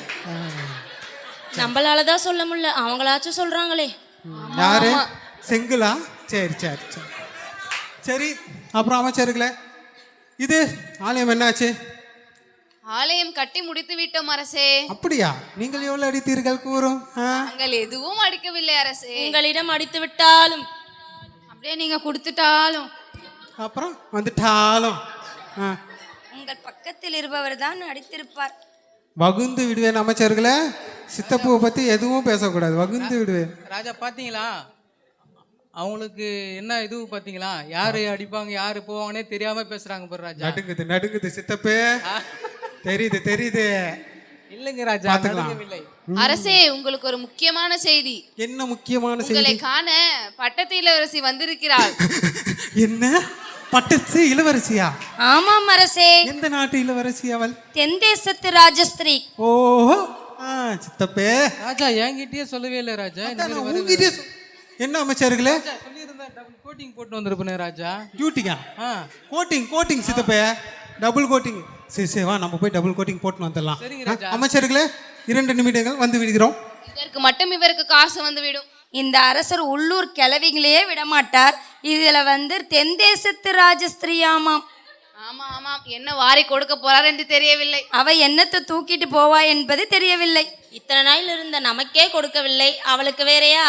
[SPEAKER 6] நம்மளால தான் சொல்ல முடியல, அவங்களாச்சும் சொல்றாங்களே.
[SPEAKER 4] யாரு? செங்குலா? சரி சரி சரி சரி. அப்புறம் அமைச்சர்களே, இது ஆலயம் என்னாச்சு?
[SPEAKER 7] ஆலயம் கட்டி முடித்து விட்டோம் அரசே.
[SPEAKER 4] அப்படியா? நீங்கள் எவ்வளவு அடித்தீர்கள் கூறும்?
[SPEAKER 7] நாங்கள் எதுவும் அடிக்கவில்லை அரசே.
[SPEAKER 6] உங்களிடம் அடித்து விட்டாலும்
[SPEAKER 8] அப்படியே நீங்க கொடுத்துட்டாலும்
[SPEAKER 4] அப்புறம் வந்துட்டாலும்
[SPEAKER 6] உங்கள் பக்கத்தில் இருப்பவர் தான் அடித்திருப்பார்.
[SPEAKER 4] வகுந்து விடுவேன் அமைச்சர்களே. சித்தப்பூவை பத்தி எதுவும் பேசக்கூடாது, வகுந்து விடுவேன்.
[SPEAKER 5] ராஜா பாத்தீங்களா அவங்களுக்கு என்ன இது பாத்தீங்களா? யாரு அடிப்பாங்க யாரு போவாங்கன்னே தெரியாம பேசுறாங்க பாரு ராஜா.
[SPEAKER 4] நடுங்குது நடுங்குது சித்தப்பே. தெரியுது தெரியுது.
[SPEAKER 5] இல்லைங்க ராஜா,
[SPEAKER 4] பாத்துக்கலாம்.
[SPEAKER 5] நடக்கவில்லை.
[SPEAKER 7] அரசே, உங்களுக்கு ஒரு முக்கியமான செய்தி.
[SPEAKER 4] என்ன முக்கியமான
[SPEAKER 7] உங்களை
[SPEAKER 4] செய்தி?
[SPEAKER 7] காண பட்டத்து இளவரசி வந்திருக்கிறாள்.
[SPEAKER 4] என்ன பட்டத்து இளவரசியா?
[SPEAKER 6] ஆமாம் அரசே.
[SPEAKER 4] எந்த நாட்டு இளவரசி அவள்?
[SPEAKER 6] தென் தேசத்து ராஜஸ்திரீ.
[SPEAKER 4] ஓஹோ, சித்தப்பே.
[SPEAKER 5] ராஜா என்கிட்டயே சொல்லவே இல்லை ராஜா. இந்த மாதிரி வருது.
[SPEAKER 4] உங்ககிட்டயே என்ன அமைச்சர்களே?
[SPEAKER 5] ராஜா சொல்லியிருந்தா டபுள் கோட்டிங் போட்டு வந்திருப்பேனே ராஜா.
[SPEAKER 4] டியூட்டிங்கா?
[SPEAKER 5] ஆ
[SPEAKER 4] கோட்டிங் கோட்டிங் சித்தப்பே, டபுள் கோட்டிங். சரி சரி, வா நம்ம போய் டபுள் கோட்டிங் போட்டு வந்துடலாம்.
[SPEAKER 5] சரிங்க ராஜா.
[SPEAKER 4] அமைச்சர்களே, 2 நிமிடங்கள் வந்து விடுகிறோம்.
[SPEAKER 7] இதற்கு மட்டும் இவருக்கு காசு வந்து விடும்.
[SPEAKER 6] இந்த அரசர் உள்ளூர் கிளவிகளையே விடமாட்டார். இதுல தென் தேசத்து ராஜஸ்திரியாமாம்.
[SPEAKER 7] ஆமா ஆமாம், என்ன வாரி கொடுக்க போறார் என்று தெரியவில்லை.
[SPEAKER 6] அவ என்னத்தை தூக்கிட்டு போவா என்பது தெரியவில்லை. இத்தனை நாள் இருந்த நமக்கே கொடுக்கவில்லை, அவளுக்கு வேறையா?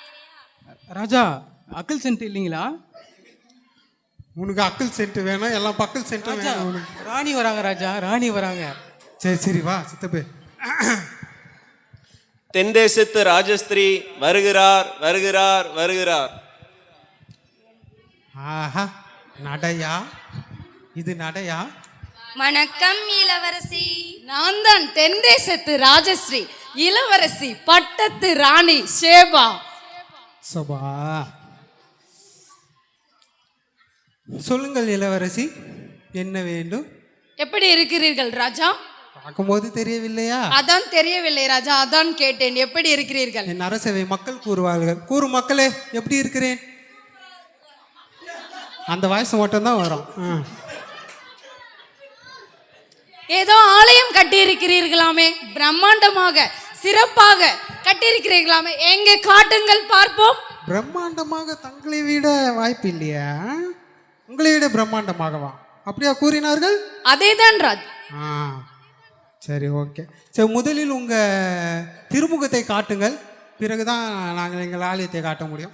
[SPEAKER 5] ராஜா அக்கல் சென்ட் இல்லைங்களா?
[SPEAKER 4] உனக்கு அக்கல் சென்ட் வேணும், எல்லாம் பக்கல் சென்ட்
[SPEAKER 5] ராஜா
[SPEAKER 4] வேணும் உனக்கு.
[SPEAKER 5] ராணி வராங்க ராஜா, ராணி வராங்க.
[SPEAKER 4] சரி சரி, வா சித்தப்பே.
[SPEAKER 1] தென் தேசத்து ராஜஸ்திரீ வருகிறார் வருகிறார் வருகிறார்.
[SPEAKER 4] ஆஹா, நடையா இது? நடையா?
[SPEAKER 6] வணக்கம் இளவரசி.
[SPEAKER 7] நான் தான் தென் தேசத்து ராஜஸ்ரீ இளவரசி பட்டத்து ராணி ஷேபா.
[SPEAKER 4] சபா, சொல்லுங்கள் இளவரசி, என்ன வேண்டும்?
[SPEAKER 7] எப்படி இருக்கிறீர்கள் ராஜா?
[SPEAKER 4] பார்க்கும்போது தெரியவில்லையா?
[SPEAKER 7] அதான் தெரியவில்லை ராஜா, அதான் கேட்டேன். எப்படி இருக்கிறீர்கள்?
[SPEAKER 4] என் அரசவை மக்கள் கூறுவார்கள். கூறும் மக்களே, எப்படி இருக்கிறேன்? அந்த வாய்ஸ் மட்டும் தான் வரும்.
[SPEAKER 7] ஏதோ ஆலயம் கட்டி இருக்கிறீர்களாமே, பிரம்மாண்டமாக சிறப்பாக கட்டியிருக்கிறீர்களாமே, எங்கே காட்டுங்கள் பார்ப்போம்.
[SPEAKER 4] பிரம்மாண்டமாக தங்களை விட வாய்ப்பு இல்லையா? உங்களை விட பிரம்மாண்டமாகவா? அப்படியா கூறினார்கள்?
[SPEAKER 7] அதேதான் ராஜ்.
[SPEAKER 4] சரி, ஓகே. சரி, முதலில் உங்க திருமுகத்தை காட்டுங்கள், பிறகுதான் நாங்கள் எங்கள் ஆலயத்தை காட்ட முடியும்.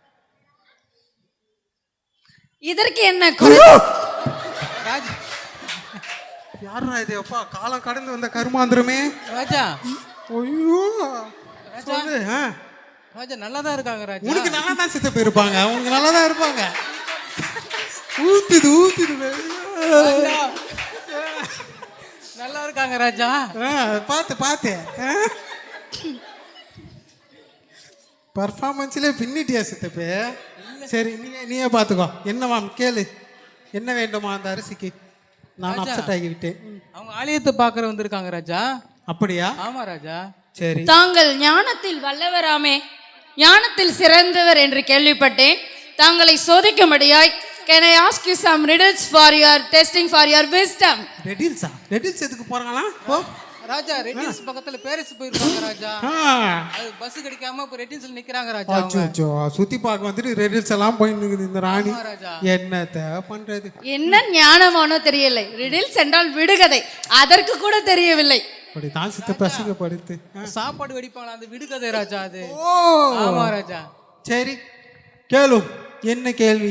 [SPEAKER 7] இதற்கு என்ன?
[SPEAKER 5] ராஜா
[SPEAKER 4] யாரா இது? அப்பா, காலம் கடந்து வந்த கருமாந்திரமே.
[SPEAKER 5] ராஜா
[SPEAKER 4] ஐயோ, சொல்லு.
[SPEAKER 5] ராஜா நல்லா தான் இருக்காங்க ராஜா.
[SPEAKER 4] உனக்கு நல்லா தான் சித்தப்ப இருப்பாங்க, உனக்கு நல்லா தான் இருப்பாங்க. ஊத்துது ஊத்துது.
[SPEAKER 5] நல்லா இருக்காங்க ராஜா.
[SPEAKER 4] பார்த்து பார்த்து பர்ஃபார்மன்ஸ்ல பின்னிட்டியா சித்தப்பே? சரி, நீயே பார்த்துக்கோ. என்னவாம் கேளு, என்ன வேண்டுமா அந்த அரிசிக்கு? நான் அப்செட் ஆகிவிட்டேன்.
[SPEAKER 5] அவங்க ஆலயத்தை பார்க்கற வந்திருக்காங்க ராஜா.
[SPEAKER 4] அப்படியா?
[SPEAKER 5] ஆமா ராஜா.
[SPEAKER 4] சரி.
[SPEAKER 7] தாங்கள் ஞானத்தில் வல்லவராமே, ஞானத்தில் சிறந்தவர் என்று கேள்விப்பட்டேன். தாங்களை சோதிக்கும்படியாய் can I ask you some riddles for your testing for your wisdom?
[SPEAKER 4] ரெடில்ஸா? ரெடில்ஸ் எதுக்கு போறாங்களா? போ.
[SPEAKER 5] ராஜா ரெட்டின்ஸ் பக்கத்துல பேரிஸ் போயிருக்காங்க ராஜா. அது பஸ் கிடைக்காம இப்ப ரெட்டின்ஸ்ல நிக்கிறாங்க ராஜா அவங்க.
[SPEAKER 4] அச்சோ சுத்தி பார்க்க வந்துட்டு ரெடில்ஸ் எல்லாம் போய் நிக்குது இந்த ராணி.
[SPEAKER 5] ஆமா ராஜா.
[SPEAKER 4] என்னத்த பண்றது?
[SPEAKER 7] என்ன ஞானமானோ தெரியலை. ரிடில்ஸ் என்றால் விடுகதை, அதற்கு கூட தெரியவில்லை.
[SPEAKER 4] அப்படி தான் சித்தப்பா அசிங்கப்படுத்து.
[SPEAKER 5] சாப்பாடு வெடிப்பாங்களா அந்த விடுகதை ராஜா அது.
[SPEAKER 4] ஓ
[SPEAKER 5] ஆமா ராஜா.
[SPEAKER 4] சரி கேளு, என்ன கேள்வி?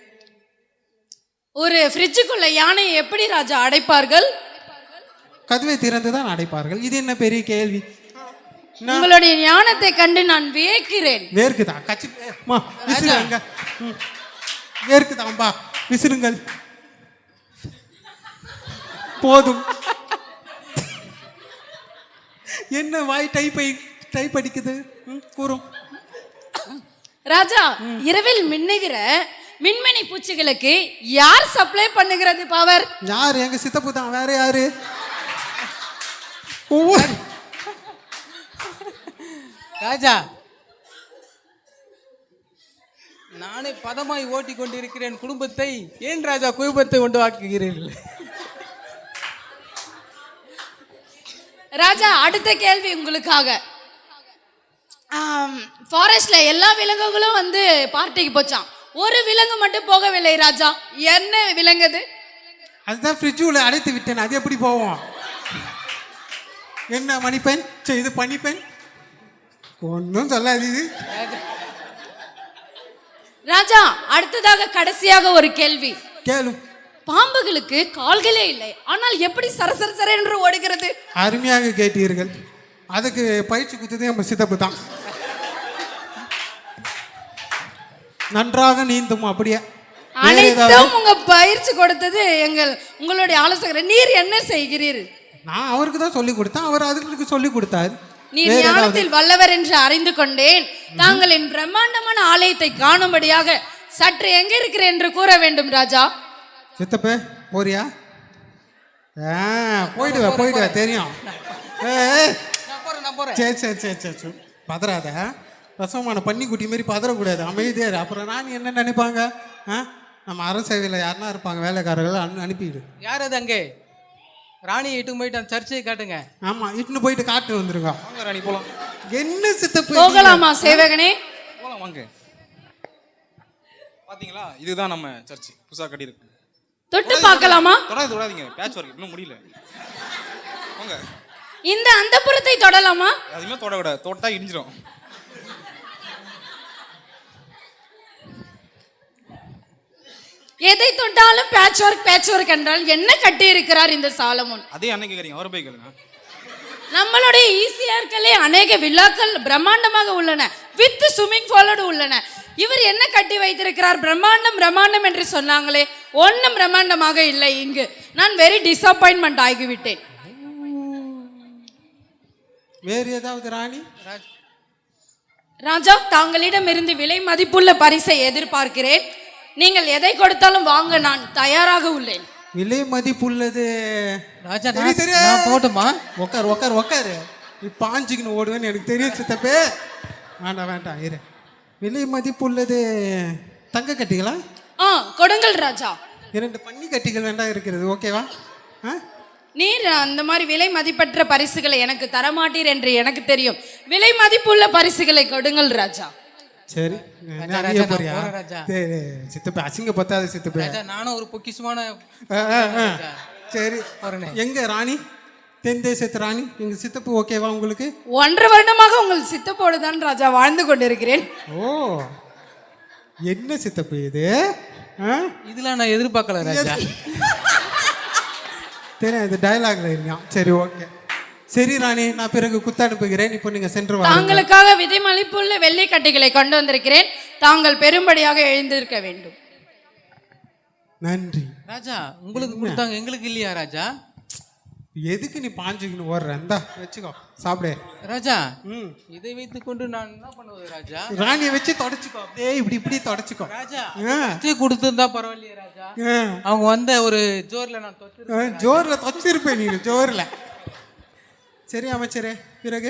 [SPEAKER 7] ஒரு ஃப்ரிட்ஜுக்குள்ள யானையை எப்படி ராஜா அடைப்பார்கள்?
[SPEAKER 4] கதவை திறந்து தான் அடைப்பார்கள். இது என்ன பெரிய கேள்வி?
[SPEAKER 7] உங்களுடைய ஞானத்தை கண்டு நான் வியக்கிறேன்.
[SPEAKER 4] வேர்க்குதா? கச்சி விசிறுங்க. வேர்க்குதாம்பா, விசிறுங்கள். போதும். என்ன வாய் டைப் அடிக்குது? கூறும்
[SPEAKER 7] ராஜா, இரவில் மின்னுகிற மின்மினி பூச்சிகளுக்கு யார் சப்ளை பண்ணுகிறது பவர்?
[SPEAKER 4] யார்? எங்க சித்தப்பு தான், வேற யாரு?
[SPEAKER 5] ராஜா, நானே பதமாய் ஓட்டி கொண்டிருக்கிறேன் குடும்பத்தை, ஏன் ராஜா குடும்பத்தை கொண்டு வாக்குகிறீர்கள்?
[SPEAKER 7] ராஜா, அடுத்த கேள்வி உங்களுக்காக. ஃபாரஸ்ட்ல எல்லா விலங்குகளும் வந்து பார்ட்டிக்கு போச்சான், ஒரு விலங்கு மட்டும் போகவில்லை ராஜா. என்ன விலங்குது?
[SPEAKER 4] அதுதான் ஃப்ரிட்ஜுல அடைத்து விட்டேன், அது எப்படி போவோம்? என்ன மணிப்பெண்? இது பனிப்பெண் ஒன்றும் சொல்லாது இது.
[SPEAKER 7] ராஜா, அடுத்ததாக கடைசியாக ஒரு கேள்வி
[SPEAKER 4] கேளு.
[SPEAKER 7] பாம்புகளுக்கு கால்களே இல்லை, ஆனால் எப்படி சரசர என்று ஓடுகிறது?
[SPEAKER 4] அருமையாக கேட்டீர்கள். அதுக்கு பயிற்சி கொடுத்ததே நம்ம சித்தப்பு தான். நன்றாக நீந்தும். அப்படியே
[SPEAKER 7] அனைத்தும் உங்க பயிற்சி கொடுத்தது உங்களுடைய ஆலோசகர். நீர் என்ன செய்கிறீர்?
[SPEAKER 4] நான் அவருக்கு தான் சொல்லி கொடுத்தேன், அவர் அதுக்கு சொல்லி கொடுத்தாரு.
[SPEAKER 7] நீர் ஞானத்தில் வல்லவர் என்று அறிந்து கொண்டேன். தாங்களின் பிரம்மாண்டமான ஆலயத்தை காணும்படியாக சற்று எங்க இருக்கிறேன் என்று கூற வேண்டும் ராஜா.
[SPEAKER 4] சித்தப்பே போறியா? போயிடுவா தெரியும். சரி சரி சரி சரி சரி பதறாத. ரசமான பன்னிக்குட்டி மாரி பதறக்கூடாது, அமைதியாரு. அப்புறம் நான் என்ன நினைப்பாங்க? நம்ம அரசேவையில் யாருன்னா இருப்பாங்க வேலைக்காரர்கள், அனுப்பிடு.
[SPEAKER 5] யார் அது? அங்கே ராணியை இட்டு போயிட்டு அந்த சர்ச்சையை காட்டுங்க.
[SPEAKER 4] ஆமா, இட்டுன்னு போயிட்டு காட்டு வந்துருங்க.
[SPEAKER 5] வாங்க ராணி போலாம்.
[SPEAKER 4] என்ன சித்தப்பு?
[SPEAKER 7] போகலாமா சேவகனே?
[SPEAKER 10] போலாம் வாங்க. பாத்தீங்களா, இதுதான் நம்ம சர்ச் புதுசா கட்டி இருக்கு.
[SPEAKER 7] தொட்டு பார்க்கலாமா?
[SPEAKER 10] தொடாதீங்க, பேட்ச் ஒர்க் இன்னும் முடியல. வாங்க.
[SPEAKER 7] இந்த அந்தப்புறத்தை தொடலாமா?
[SPEAKER 10] அதுமே தொட விட, தொட்டா இடிஞ்சிரும்.
[SPEAKER 7] எதை தொட்டாலும் பேட்ச் ஒர்க் என்றால் என்ன கட்டி இருக்கிறார் இந்த சாலமோன்?
[SPEAKER 10] அதே அன்னைக்கு கேக்குறீங்க, அவரை போய் கேளுங்க.
[SPEAKER 7] நம்மளுடைய ஈசிஆர்களே அநேக விழாக்கள் பிரம்மாண்டமாக உள்ளன, வித் ஸ்விம்மிங் பூலோடு உள்ளன. இவர் என்ன கட்டி வைத்திருக்கிறார்? பிரம்மாண்டம் என்று சொன்னாங்களே, ஒன்றும் பிரம்மாண்டமாக இல்லை. இங்கு நான் வெரி டிசப்பாயின்மெண்ட் ஆகிவிட்டேன்.
[SPEAKER 4] வேறு ஏதாவது ராணி?
[SPEAKER 7] ராஜா, தாங்களிடம் இருந்து விலை மதிப்புள்ள பரிசை எதிர்பார்க்கிறேன். நீங்கள் எதை கொடுத்தாலும் வாங்க நான் தயாராக உள்ளேன்.
[SPEAKER 4] விலை மதிப்புள்ளது
[SPEAKER 5] ராஜா, நான் போட்டுமா?
[SPEAKER 4] உக்காரு. நீ பாஞ்சிக்கின்னு ஓடுவேன்னு எனக்கு தெரியும் சித்தப்பே. வேண்டாம் இரு. விலை மதிப்புள்ளது தங்க கட்டிகளா?
[SPEAKER 7] கொடுங்கள் ராஜா.
[SPEAKER 4] 2 பன்னி கட்டிகள் வேண்டாம் இருக்கிறது, ஓகேவா?
[SPEAKER 7] நீர் அந்த மாதிரி விலை மதிப்பற்ற பரிசுகளை எனக்கு தரமாட்டீர் என்று எனக்கு தெரியும். விலை மதிப்புள்ள பரிசுகளை கொடுங்கள் ராஜா.
[SPEAKER 4] சரி சித்தப்ப அசிங்க பத்தாது சித்தப்ப.
[SPEAKER 5] நானும் ஒரு பொக்கிஷமான.
[SPEAKER 4] சரி எங்க ராணி? தென் தேசத்து ராணி எங்க சித்தப்பு ஓகேவா உங்களுக்கு?
[SPEAKER 7] 1.5 வருடமாக உங்கள் சித்தப்போடு தான் ராஜா வாழ்ந்து கொண்டிருக்கிறேன்.
[SPEAKER 4] ஓ, என்ன சித்தப்பு இது?
[SPEAKER 5] இதெல்லாம் நான் எதிர்பார்க்கல ராஜா.
[SPEAKER 4] தெரியும், இது டயலாக்ல இருக்கான். சரி ஓகே. சரி ராணி, நான் பிறகு குத்தனுப்புகிறேன். இப்போ நீங்க சென்று வாங்க.
[SPEAKER 7] தாங்களுக்காக விதை மதிப்புள்ள வெள்ளை கட்டிகளை கொண்டு வந்திருக்கிறேன். தாங்கள் பெரும்படியாக எழுந்திருக்க வேண்டும்.
[SPEAKER 4] நன்றி
[SPEAKER 5] ராஜா. உங்களுக்கு கொடுத்தாங்க, எங்களுக்கு இல்லையா ராஜா?
[SPEAKER 4] எதுக்கு நீ பாஞ்சுக்கின்னு ஓடுற? இந்தா வச்சுக்கோ, சாப்பிடு
[SPEAKER 5] ராஜா. இதை வைத்துக் கொண்டு நான் என்ன பண்ணுவது ராஜா?
[SPEAKER 4] ராணியை வச்சு தொடச்சுக்கோ, அப்படியே இப்படி தொடச்சுக்கோ
[SPEAKER 5] ராஜா. கொடுத்திருந்தா பரவாயில்லையே ராஜா. அவங்க வந்த ஒரு ஜோர்ல நான்
[SPEAKER 4] ஜோர்ல தொச்சிருப்பேன். நீங்க ஜோர்ல. சரி அமைச்சரே, பிறகு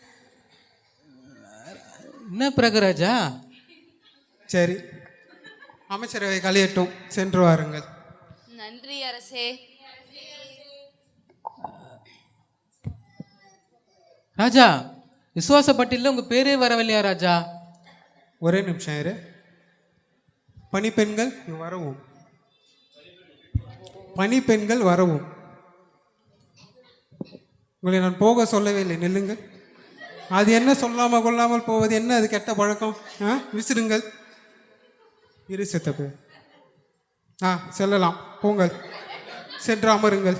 [SPEAKER 5] என்ன பிறகு ராஜா?
[SPEAKER 4] சரி, அமைச்சரவை கலையட்டும், சென்று வாருங்கள்.
[SPEAKER 6] நன்றி அரசே.
[SPEAKER 5] ராஜா விசுவாச பட்டியலில் உங்கள் பேரே வரவில்லையா ராஜா?
[SPEAKER 4] ஒரே நிமிஷம் இரு. பணிப்பெண்கள் இங்க வரவும். பணிப்பெண்கள் வரவும். உங்களை நான் போக சொல்லவே இல்லை, நில்லுங்கள். அது என்ன சொல்லாமல் கொள்ளாமல் போவது என்ன? அது கெட்ட பழக்கம். விசிறுங்கள். இரு சித்தப்பு. செல்லலாம், போங்கள், சென்று அமருங்கள்.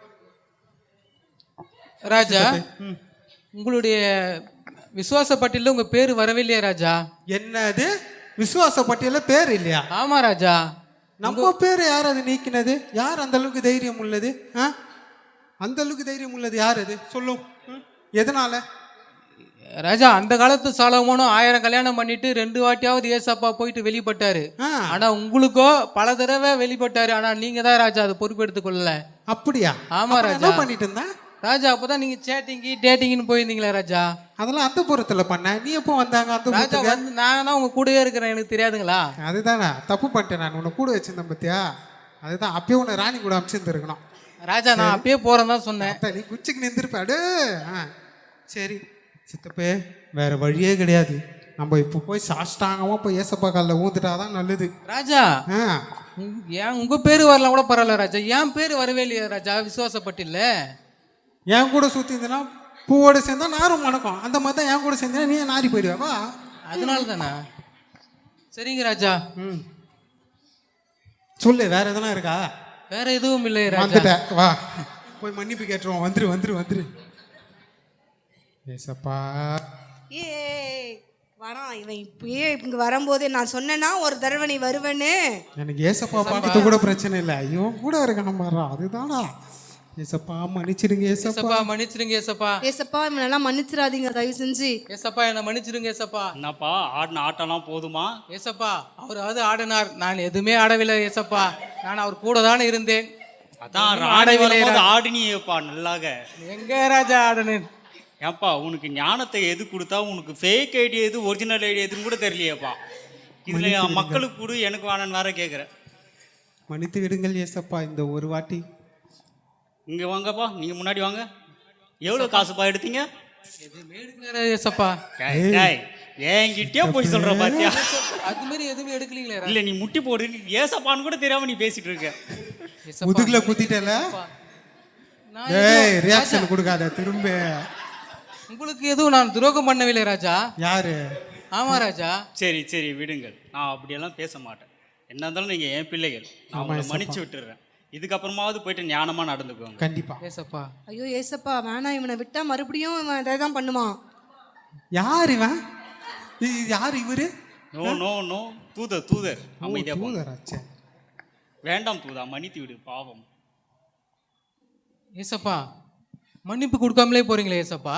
[SPEAKER 5] ராஜா உங்களுடைய விசுவாச பட்டியலில் உங்கள் பேர் வரவில்லையா ராஜா?
[SPEAKER 4] என்னது விசுவாச பட்டியல பேர் இல்லையா?
[SPEAKER 5] ஆமா ராஜா.
[SPEAKER 4] நம்ம பேர் யார் அது நீக்கினது? யார் அந்த அளவுக்கு தைரியம் உள்ளது? அந்த அளவுக்கு தைரியம் உள்ளது யார் அது? சொல்லும். எதனால?
[SPEAKER 5] ராஜா அந்த காலத்து சாலமோனும் 1000 கல்யாணம் பண்ணிட்டு 2 வாட்டியாவது ஏசப்பா போயிட்டு வெளிப்பட்டாரு. ஆனா உங்களுக்கோ பல தடவை வெளிப்பட்டாரு. ஆனா நீங்க தான் ராஜா அதை பொறுப்பெடுத்துக் கொள்ளல.
[SPEAKER 4] அப்படியா?
[SPEAKER 5] ஆமா ராஜா.
[SPEAKER 4] என்ன பண்ணிட்டு இருந்தா
[SPEAKER 5] ராஜா? அப்பதான் நீங்க டேட்டிங்னு போயிருந்தீங்களா ராஜா?
[SPEAKER 4] அதெல்லாம் அந்த புறத்துல பண்ண. நீ எப்போ வந்தாங்க அந்த
[SPEAKER 5] ராஜா?
[SPEAKER 4] புறத்துக்கு?
[SPEAKER 5] வந்து நான் தான் உங்க கூடவே இருக்கிறேன், எனக்கு தெரியாதுங்களா?
[SPEAKER 4] அதுதானே தப்பு பண்ணிட்டேன். நான் உன்னை கூட வச்சிருந்தேன் பத்தியா? அதுதான் அப்பயே உன்னை ராணி கூட அமைச்சிருந்துருக்கணும்.
[SPEAKER 5] ராஜா நான் அப்பயே போறேன் தான் சொன்னேன்.
[SPEAKER 4] நீ குச்சிக்கு நின்றுப்பாடு. சரி சித்தப்பே, வேற வழியே கிடையாது. நம்ம இப்போ போய் சாஷ்டாங்கமா போய் ஏசப்பா காலில் ஊந்துட்டாதான் நல்லது.
[SPEAKER 5] ராஜா ஏன் உங்க பேரு வரலாம் கூட பரவாயில்ல ராஜா, என் பேரு வரவே இல்லையா ராஜா விசுவாசப்பட்டில்ல?
[SPEAKER 4] என் கூட சுத்தி இருந்தனா பூவோட சேர்ந்தா நாரும் மணக்கும். அந்த மாதிரி தான் என் கூட சேர்ந்தா நீ நாரி போயிடுவாப்பா.
[SPEAKER 5] அதனால தானே. சரிங்க ராஜா.
[SPEAKER 4] சொல்லு, வேற எதனா இருக்கா?
[SPEAKER 5] வேற எதுவும் இல்லை ராஜா.
[SPEAKER 4] வந்துட்டேன், வா போய் மன்னிப்பு கேட்டுருவோம். வந்துரு. ஏசப்பா
[SPEAKER 3] வரான் இவன். இப்பயே இங்க வரும்போதே நான் சொன்னேன்னா ஒரு தடவை நீ வருவேன்னு.
[SPEAKER 4] எனக்கு ஏசப்பா பார்க்கறது கூட பிரச்சனை இல்லை, இவன் கூட இருக்கான் பாரு, அதுதானா. ஏசப்பா மன்னிச்சிடுங்க. ஏசப்பா
[SPEAKER 5] மன்னிச்சிடுங்க.
[SPEAKER 3] ஏசப்பா இவனெல்லாம் மன்னிச்சிடாதீங்க தயவு செஞ்சு.
[SPEAKER 5] ஏசப்பா என்ன மன்னிச்சிடுங்க. ஏசப்பா
[SPEAKER 2] என்னப்பா ஆடின ஆட்டம்லாம் போதுமா?
[SPEAKER 5] ஏசப்பா அவராவது ஆடினார், நான் எதுவுமே ஆடவில்லை. ஏசப்பா நான் அவர் கூட தானே இருந்தேன்.
[SPEAKER 2] அதான் ஆடவில்லை. ஆடினியப்பா நல்லாக.
[SPEAKER 5] எங்க ராஜா ஆடனேன்?
[SPEAKER 2] ஏப்பா உனக்கு ஞானத்தை எது கொடுத்தா உனக்கு ஃபேக் ஐடி எது ஒரிஜினல் ஐடி எதுன்னு கூட தெரியலையேப்பா. இதுல மக்களுக்கு கூட எனக்கு வேணும்னு வேற கேட்குறேன்.
[SPEAKER 4] மன்னித்து விடுங்கள் ஏசப்பா, இந்த ஒரு வாட்டி.
[SPEAKER 2] இங்க வாங்கப்பா, நீங்க முன்னாடி வாங்க. எவ்வளவு காசுப்பா எடுத்தீங்க?
[SPEAKER 5] ஏசப்பா
[SPEAKER 2] என்கிட்டயே போய் சொல்ற பாத்தியா?
[SPEAKER 5] அது மாதிரி எதுவுமே எடுக்கலீங்களே.
[SPEAKER 2] இல்ல நீ முட்டி போடு, ஏசப்பான்னு கூட தெரியாம நீ பேசிட்டு இருக்க.
[SPEAKER 4] முதுகுல குத்திட்டல. ரியாக்ஷன் கொடுக்காத திரும்ப.
[SPEAKER 5] உங்களுக்கு எதுவும் நான் துரோகம் பண்ணவில்லை ராஜா.
[SPEAKER 4] யாரு?
[SPEAKER 5] ஆமா ராஜா.
[SPEAKER 2] சரி விடுங்கள், நான் அப்படியெல்லாம் பேச மாட்டேன். என்ன இருந்தாலும் நீங்க என் பிள்ளைகள், நான் உங்களை மன்னிச்சு விட்டுறேன். இதுக்கப்புறமாவது போயிட்டு ஞானமா நடந்துக்குவாங்க.
[SPEAKER 4] கண்டிப்பா.
[SPEAKER 5] ஏசப்பா
[SPEAKER 3] ஐயோ ஏசப்பா வேணாம், இவனை விட்டா மறுபடியும் இவன் இதை தான் பண்ணுவான்.
[SPEAKER 4] யார் இவன்? யார் இவரு?
[SPEAKER 2] நோ தூதர் அமைதியா போங்க.
[SPEAKER 4] தூதராச்சே.
[SPEAKER 2] வேண்டாம் தூதா, மன்னித்து விடு, பாவம்.
[SPEAKER 5] ஏசப்பா மன்னிப்பு கொடுக்காமலே போறீங்களே ஏசப்பா.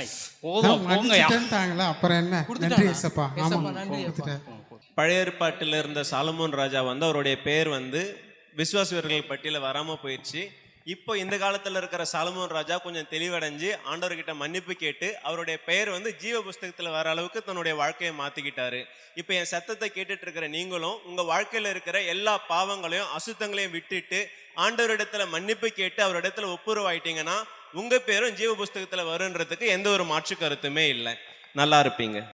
[SPEAKER 4] அப்புறம் என்ன? நன்றி ஏசப்பா.
[SPEAKER 1] பழைய ஏற்பாட்டில் இருந்த சாலமோன் ராஜா வந்து அவருடைய பேர் வந்து விசுவாச வீரர்கள் பட்டியல வராம போயிடுச்சு. இப்போ இந்த காலத்துல இருக்கிற சாலமோன் ராஜா கொஞ்சம் தெளிவடைஞ்சு ஆண்டவர்கிட்ட மன்னிப்பு கேட்டு அவருடைய பெயர் வந்து ஜீவ புஸ்தகத்துல வர அளவுக்கு தன்னுடைய வாழ்க்கையை மாத்திக்கிட்டாரு. இப்போ என் சத்தத்தை கேட்டுட்டு இருக்கிற நீங்களும் உங்க வாழ்க்கையில இருக்கிற எல்லா பாவங்களையும் அசுத்தங்களையும் விட்டுட்டு ஆண்டவரிடத்துல மன்னிப்பு கேட்டு அவரிடத்துல ஒப்புரவாயிட்டீங்கன்னா உங்க பேரும் ஜீவ புஸ்தகத்துல வருன்றதுக்கு எந்த ஒரு மாற்று கருத்துமே இல்லை. நல்லா இருப்பீங்க.